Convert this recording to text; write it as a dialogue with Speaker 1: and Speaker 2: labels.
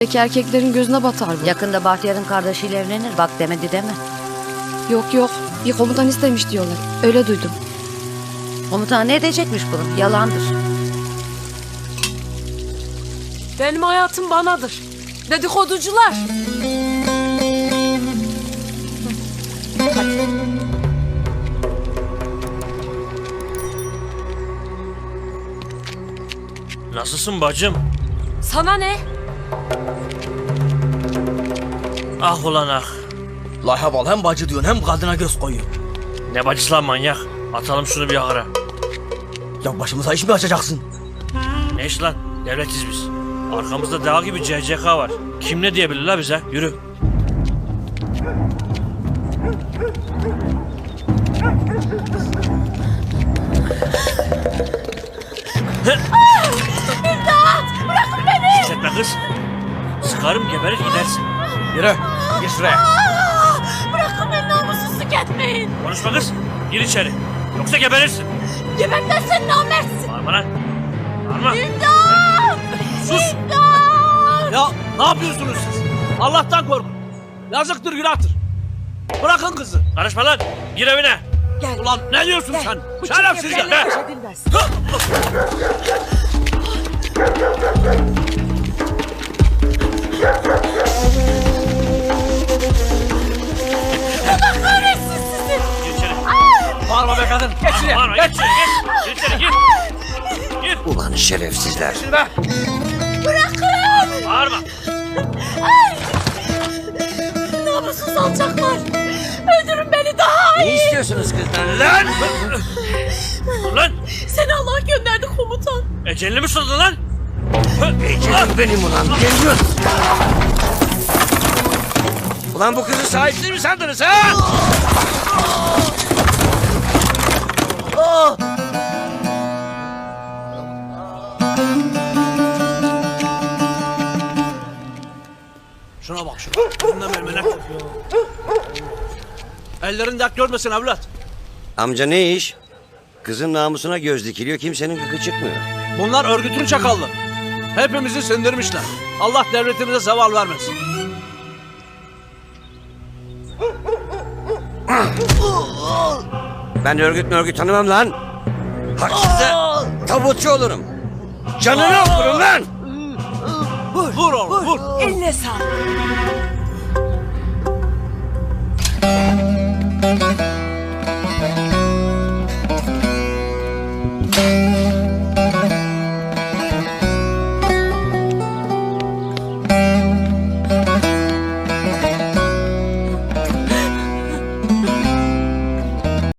Speaker 1: Peki erkeklerin gözüne batar bu.
Speaker 2: Yakında Bahtiyar'ın kardeşiyle evlenir. Bak demedi deme.
Speaker 1: Yok. Bir komutan istemiş diyorlar. Öyle duydum.
Speaker 2: Komutan ne edecekmiş bunu? Yalandır.
Speaker 3: Benim hayatım banadır. Dedikoducular.
Speaker 4: Nasılsın bacım?
Speaker 3: Sana ne?
Speaker 4: Ah ulan ah.
Speaker 5: La heval hem bacı diyorsun hem kadına göz koyuyor.
Speaker 4: Ne bacısı lan manyak? Atalım şunu bir ahıra.
Speaker 5: Ya başımıza iş mi açacaksın?
Speaker 4: Ne iş lan? Devletiz biz. Arkamızda dağ gibi CCK var. Kim ne diyebilir la bize? Yürü.
Speaker 3: İmdat! Bırakın beni!
Speaker 4: Sus etme kız. Sıkarım geberir gidersin.
Speaker 5: Yürü. Gir şuraya.
Speaker 3: Bırakın beni, namussuzluk etmeyin.
Speaker 4: Konuşma kız. Gir içeri. Yoksa geberirsin.
Speaker 3: Gebertmezsen namertsin.
Speaker 4: Bağırma lan. Bağırma.
Speaker 3: İmdat!
Speaker 4: Sus.
Speaker 3: İmdat!
Speaker 6: Ya ne yapıyorsunuz siz? Allah'tan korkun. Yazıktır günahtır. Bırakın kızı.
Speaker 4: Karışma lan. Gir evine.
Speaker 6: Ulan ne diyorsun sen? Şerefsizler.
Speaker 3: Be!
Speaker 4: Gir içeri.
Speaker 6: Bağırma be kadın. Geç şuraya.
Speaker 4: Bağırma. Gir içeri. Gir. Gir içeri. Gir. Gir.
Speaker 5: Ulan şerefsizler.
Speaker 6: Be.
Speaker 4: Bağırma.
Speaker 3: Namussuz alçaklar! Öldürün beni daha iyi!
Speaker 5: Ne istiyorsunuz kızdan?
Speaker 4: Lan. Dur lan.
Speaker 3: Seni Allah gönderdi komutan.
Speaker 4: Ecelini mi sordun lan?
Speaker 5: Ecelim benim ulan. Geliyor. Ulan bu kızı sahipsiz mi sandınız ha?
Speaker 6: Şuna bak şuna. Bundan mermenek kokuyor. Ellerin dert görmesin evlat.
Speaker 7: Amca ne iş? Kızın namusuna göz dikiliyor, kimsenin gıkı çıkmıyor.
Speaker 6: Bunlar örgütün çakallı. Hepimizi sindirmişler. Allah devletimize zeval vermesin.
Speaker 7: Ben örgüt tanımam lan. Haksızda tabutçu olurum. Canını okurum lan.
Speaker 6: Vur oğlum vur.
Speaker 3: Eline sağlık.